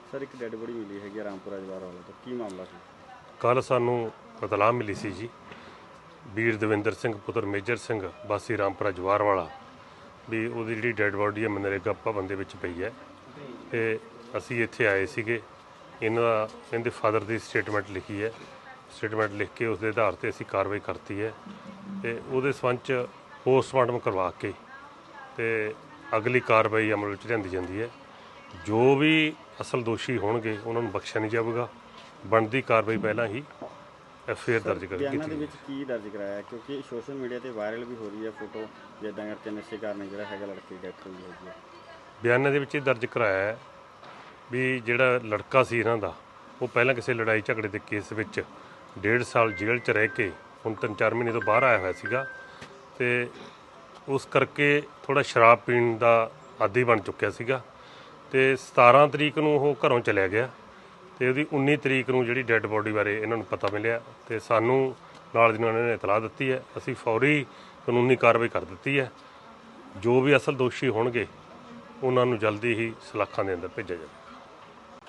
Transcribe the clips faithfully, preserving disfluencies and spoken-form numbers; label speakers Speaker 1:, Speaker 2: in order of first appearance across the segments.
Speaker 1: Sir एक dead body मिली है रामपुरा जवार वाला तो की मामला सी?
Speaker 2: कल सानू इतलाह मिली सी जी वीर दविंदर सिंह पुत्र मेजर सिंह वासी रामपुरा जवार वाला भी ਉਹਦੀ ਜਿਹੜੀ ਡੈਡ ਬੋਡੀ ਹੈ ਮਨਰੇਗਾ ਭਵਨ ਦੇ ਵਿੱਚ ਪਈ ਹੈ ਤੇ ਅਸੀਂ ਇੱਥੇ ਆਏ ਸੀਗੇ। ਇਹਨਾਂ ਦਾ ਇਹਦੇ ਫਾਦਰ ਦੀ ਸਟੇਟਮੈਂਟ ਲਿਖੀ ਹੈ। ਸਟੇਟਮੈਂਟ ਲਿਖ ਕੇ ਉਸ ਦੇ ਆਧਾਰ ਤੇ ਅਸੀਂ ਕਾਰਵਾਈ ਕਰਤੀ ਹੈ ਤੇ ਉਹਦੇ ਸੰਬੰਧ 'ਚ ਪੋਸਟਮਾਰਟਮ ਕਰਵਾ ਕੇ ਤੇ ਅਗਲੀ ਕਾਰਵਾਈ ਅਮਲ ਵਿੱਚ ਲਿਆਂਦੀ ਜਾਂਦੀ ਹੈ। ਜੋ ਵੀ ਅਸਲ ਦੋਸ਼ੀ ਹੋਣਗੇ ਉਹਨਾਂ ਨੂੰ ਬਖਸ਼ਿਆ ਨਹੀਂ ਜਾਵੇਗਾ। ਬਣਦੀ ਕਾਰਵਾਈ ਪਹਿਲਾਂ ਹੀ ਐਫ ਆਈ ਆਰ ਦਰਜ ਕਰ
Speaker 1: ਬਿਆਨਾਂ ਦੇ ਵਿੱਚ ਕੀ ਦਰਜ ਕਰਾਇਆ ਕਿਉਂਕਿ ਸੋਸ਼ਲ ਮੀਡੀਆ ਤੇ ਵਾਇਰਲ ਵੀ ਹੋ ਰਹੀ ਹੈ ਫੋਟੋ ਜਿੱਦਾਂ ਕਰਕੇ ਨਸ਼ੇ ਕਾਰਨ ਜਿਹੜਾ ਹੈਗਾ ਲੜਕੇ ਦੀ ਡੈਥ ਹੋਈ ਹੈਗੀ ਹੈ।
Speaker 2: ਬਿਆਨਾਂ ਦੇ ਵਿੱਚ ਇਹ ਦਰਜ ਕਰਾਇਆ ਹੈ ਵੀ ਜਿਹੜਾ ਲੜਕਾ ਸੀ ਇਹਨਾਂ ਦਾ ਉਹ ਪਹਿਲਾਂ ਕਿਸੇ ਲੜਾਈ ਝਗੜੇ ਦੇ ਕੇਸ ਵਿੱਚ ਡੇਢ ਸਾਲ ਜੇਲ੍ਹ 'ਚ ਰਹਿ ਕੇ ਹੁਣ ਤਿੰਨ ਚਾਰ ਮਹੀਨੇ ਤੋਂ ਬਾਹਰ ਆਇਆ ਹੋਇਆ ਸੀਗਾ ਤੇ ਉਸ ਕਰਕੇ ਥੋੜਾ ਸ਼ਰਾਬ ਪੀਣ ਦਾ ਆਦੀ ਬਣ ਚੁੱਕਿਆ ਸੀਗਾ ਤੇ ਸਤਾਰਾਂ ਤਰੀਕ ਨੂੰ ਉਹ ਘਰੋਂ ਚਲਿਆ ਗਿਆ ਤੇ ਉਹਦੀ ਉੱਨੀ ਤਰੀਕ ਨੂੰ ਜਿਹੜੀ ਡੈੱਡ ਬੋਡੀ ਬਾਰੇ ਇਹਨਾਂ ਨੂੰ ਪਤਾ ਮਿਲਿਆ ਤੇ ਸਾਨੂੰ ਨਾਲ ਦੀ ਨਾਲ ਇਹਨਾਂ ਨੇ ਇਤਲਾਹ ਦਿੱਤੀ ਹੈ। ਅਸੀਂ ਫੌਰੀ ਕਾਨੂੰਨੀ ਕਾਰਵਾਈ ਕਰ ਦਿੱਤੀ ਹੈ। ਜੋ ਵੀ ਅਸਲ ਦੋਸ਼ੀ ਹੋਣਗੇ ਉਹਨਾਂ ਨੂੰ ਜਲਦੀ ਹੀ ਸਲਾਖਾਂ ਦੇ ਅੰਦਰ ਭੇਜਿਆ ਜਾਵੇਗਾ।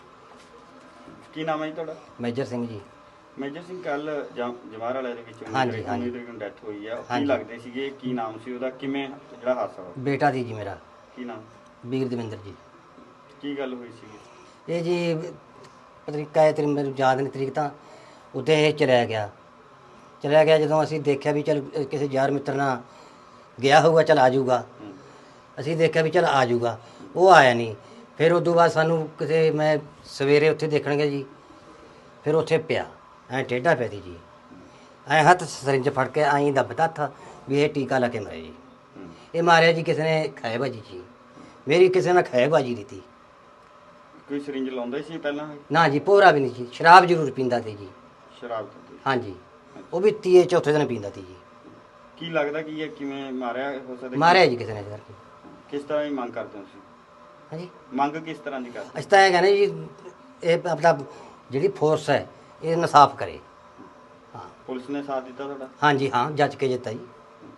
Speaker 1: ਕੀ ਨਾਮ ਹੈ ਜੀ ਤੁਹਾਡਾ?
Speaker 3: ਮੇਜਰ ਸਿੰਘ ਜੀ।
Speaker 1: ਮੇਜਰ ਸਿੰਘ ਕੱਲ ਜਵਾਰ ਵਾਲੇ ਦੇ ਵਿੱਚ
Speaker 3: ਹਾਂਜੀ ਹਾਂਜੀ
Speaker 1: ਤਰੀਕ ਨੂੰ ਡੈਥ ਹੋਈ ਹੈ ਕੀ ਲੱਗਦੇ ਸੀਗੇ ਕੀ ਨਾਮ ਸੀ ਉਹਦਾ ਕਿਵੇਂ ਜਿਹੜਾ ਹਾਦਸਾ ਹੋਇਆ?
Speaker 3: ਬੇਟਾ ਦੀ ਜੀ ਮੇਰਾ।
Speaker 1: ਕੀ ਨਾਮ?
Speaker 3: ਵੀਰ ਦਵਿੰਦਰ ਜੀ।
Speaker 1: ਕੀ ਗੱਲ ਹੋਈ ਸੀਗੀ?
Speaker 3: ਇਹ ਜੀ ਤਰੀਕਾ ਹੈ ਤੇਰੀ ਮੈਨੂੰ ਯਾਦ ਨਹੀਂ ਤਰੀਕ ਤਾਂ ਉੱਤੇ ਇਹ ਚਲਿਆ ਗਿਆ ਚਲਿਆ ਗਿਆ ਜਦੋਂ ਅਸੀਂ ਦੇਖਿਆ ਵੀ ਚਲ ਕਿਸੇ ਯਾਰ ਮਿੱਤਰ ਨਾਲ ਗਿਆ ਹੋਊਗਾ ਚਲ ਆ ਜਾਊਗਾ। ਅਸੀਂ ਦੇਖਿਆ ਵੀ ਚਲ ਆ ਜਾਊਗਾ ਉਹ ਆਇਆ ਨਹੀਂ। ਫਿਰ ਉਦੋਂ ਬਾਅਦ ਸਾਨੂੰ ਕਿਸੇ ਮੈਂ ਸਵੇਰੇ ਉੱਥੇ ਦੇਖਣ ਗਿਆ ਜੀ ਫਿਰ ਉੱਥੇ ਪਿਆ ਐਂ ਟੇਢਾ ਪਿਆ ਸੀ ਜੀ ਐਂ ਹੱਥ ਸਰਿੰਜ ਫੜ ਕੇ ਐਂ ਦੱਬਦਾ ਥਾ ਵੀ ਇਹ ਟੀਕਾ ਲਾ ਕੇ ਮਰੇ ਜੀ। ਇਹ ਮਾਰਿਆ ਜੀ ਕਿਸੇ ਨੇ ਖਾਏ ਬਾਜੀ ਜੀ ਮੇਰੀ ਕਿਸੇ ਨੇ ਖਾਏ ਬਾਜੀ ਦਿੱਤੀ।
Speaker 1: ਕੋਈ ਸਰਿੰਜ ਲਾਉਂਦਾ ਸੀ ਪਹਿਲਾਂ?
Speaker 3: ਨਾ ਜੀ ਪੋਰਾ ਵੀ ਨਹੀਂ ਜੀ ਸ਼ਰਾਬ ਜ਼ਰੂਰ ਪੀਂਦਾ ਸੀ ਜੀ।
Speaker 1: ਸ਼ਰਾਬ ਪੀਂਦਾ?
Speaker 3: ਹਾਂਜੀ ਉਹ ਵੀ ਤੀਏ ਚੌਥੇ ਦਿਨ ਪੀਂਦਾ ਸੀ ਜੀ।
Speaker 1: ਕੀ ਲੱਗਦਾ ਕੀ ਹੈ ਕਿਵੇਂ ਮਾਰਿਆ ਹੋ ਸਕਦਾ?
Speaker 3: ਮਾਰਿਆ ਜੀ ਕਿਸੇ ਨੇ ਸਰ।
Speaker 1: ਕਿਸ ਤਰ੍ਹਾਂ ਦੀ ਮੰਗ ਕਰਦੇ ਹੋ ਤੁਸੀਂ?
Speaker 3: ਹਾਂਜੀ
Speaker 1: ਮੰਗ ਕਿਸ ਤਰ੍ਹਾਂ ਦੀ ਕਰਦੇ?
Speaker 3: ਅਸੀਂ ਤਾਂ ਇਹ ਕਹਿੰਦੇ ਜੀ ਇਹ ਆਪਣਾ ਜਿਹੜੀ ਫੋਰਸ ਹੈ ਇਹ ਇਨਸਾਫ ਕਰੇ। ਹਾਂ
Speaker 1: ਪੁਲਿਸ ਨੇ ਸਾਥ ਦਿੱਤਾ ਤੁਹਾਡਾ?
Speaker 3: ਹਾਂਜੀ ਹਾਂ ਜੱਜ ਕੇ ਜਿੱਤਾ ਜੀ।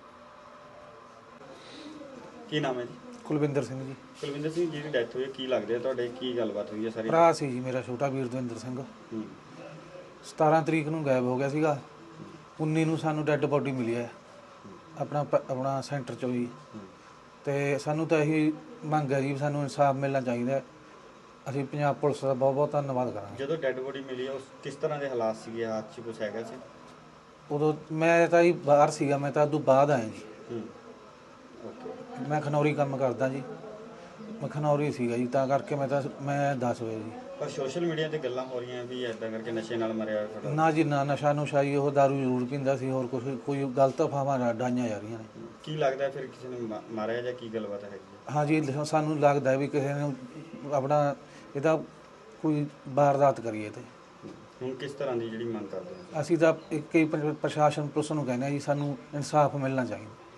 Speaker 1: ਕੀ ਨਾਮ ਹੈ ਜੀ?
Speaker 4: ਕੁਲਵਿੰਦਰ ਸਿੰਘ ਜੀ।
Speaker 1: ਕੁਲਵਿੰਦਰ ਸਿੰਘ ਜੀ ਦੀ ਡੈਥ ਹੋਈ ਹੈ ਕੀ ਲੱਗਦਾ ਤੁਹਾਡੇ ਕੀ ਗੱਲਬਾਤ ਹੋਈ ਹੈ ਸਾਰੀ?
Speaker 4: ਭਰਾ ਸੀ ਜੀ ਮੇਰਾ ਛੋਟਾ ਵੀਰ ਦਵਿੰਦਰ ਸਿੰਘ।
Speaker 1: ਹੂੰ।
Speaker 4: ਸਤਾਰਾਂ ਤਰੀਕ ਨੂੰ ਗਾਇਬ ਹੋ ਗਿਆ ਸੀਗਾ। ਉੱਨੀ ਨੂੰ ਸਾਨੂੰ ਡੈੱਡ ਬੋਡੀ ਮਿਲੀ ਹੈ ਆਪਣਾ ਪ- ਆਪਣਾ ਸੈਂਟਰ ਚੋਂ ਜੀ ਤੇ ਸਾਨੂੰ ਤਾਂ ਇਹੀ ਮੰਗ ਹੈ ਜੀ ਸਾਨੂੰ ਇਨਸਾਫ ਮਿਲਣਾ ਚਾਹੀਦਾ ਹੈ। ਅਸੀਂ ਪੰਜਾਬ ਪੁਲਿਸ ਦਾ ਬਹੁਤ ਬਹੁਤ ਧੰਨਵਾਦ ਕਰਾਂਗੇ।
Speaker 1: ਜਦੋਂ ਡੈੱਡ ਬੋਡੀ ਮਿਲੀ ਉਸ ਕਿਸ ਤਰ੍ਹਾਂ ਦੇ ਹਾਲਾਤ ਸੀਗੇ ਹੱਥ 'ਚ ਕੁਝ ਹੈਗਾ ਸੀ?
Speaker 4: ਉਦੋਂ ਮੈਂ ਤਾਂ ਜੀ ਬਾਹਰ ਸੀਗਾ ਮੈਂ ਤਾਂ ਉਦੋਂ ਬਾਅਦ ਆਇਆ ਜੀ।
Speaker 1: ਹੂੰ ਓਕੇ।
Speaker 4: ਮੈਂ ਖਨੌਰੀ ਕੰਮ ਕਰਦਾ ਜੀ ਮੈਂ ਖਨੌਰੀ ਸੀਗਾ ਜੀ ਤਾਂ ਕਰਕੇ ਮੈਂ ਤਾਂ ਮੈਂ ਦੱਸ ਵਜੇ ਜੀ।
Speaker 1: ਪਰ ਸੋਸ਼ਲ ਮੀਡੀਆ ਤੇ ਗੱਲਾਂ ਹੋ ਰਹੀਆਂ ਵੀ ਐਦਾਂ ਕਰਕੇ ਨਸ਼ੇ ਨਾਲ ਮਰਿਆ ਤੁਹਾਡਾ।
Speaker 4: ਨਾ ਜੀ ਨਾ ਨਸ਼ਾ ਨੁਸ਼ਾ ਜੀ ਉਹ ਦਾਰੂ ਜ਼ਰੂਰ ਪੀਂਦਾ ਸੀ ਹੋਰ ਕੁਛ ਕੋਈ ਗਲਤ ਅਫਵਾਹਾਂ ਡਾਈਆਂ ਜਾ ਰਹੀਆਂ ਨੇ।
Speaker 1: ਕੀ ਲੱਗਦਾ ਫਿਰ ਕਿਸੇ ਨੇ ਮਾ- ਮਾਰਿਆ ਜਾਂ ਕੀ ਗੱਲਬਾਤ ਹੈਗੀ ਹੈ?
Speaker 4: ਹਾਂਜੀ ਸਾਨੂੰ ਲੱਗਦਾ ਵੀ ਕਿਸੇ ਨੇ ਆਪਣਾ ਇਹਦਾ ਕੋਈ ਵਾਰਦਾਤ ਕਰੀਏ ਤੇ
Speaker 1: ਹੁਣ ਕਿਸ ਤਰ੍ਹਾਂ ਦੀ ਜਿਹੜੀ ਮੰਗ ਕਰਦੇ ਹੋ?
Speaker 4: ਅਸੀਂ ਤਾਂ ਇੱਕ ਹੀ ਪ੍ਰ- ਪ੍ਰਸ਼ਾਸਨ ਪੁਲਿਸ ਨੂੰ ਕਹਿੰਦੇ ਹਾਂ ਜੀ ਸਾਨੂੰ ਇਨਸਾਫ ਮਿਲਣਾ ਚਾਹੀਦਾ।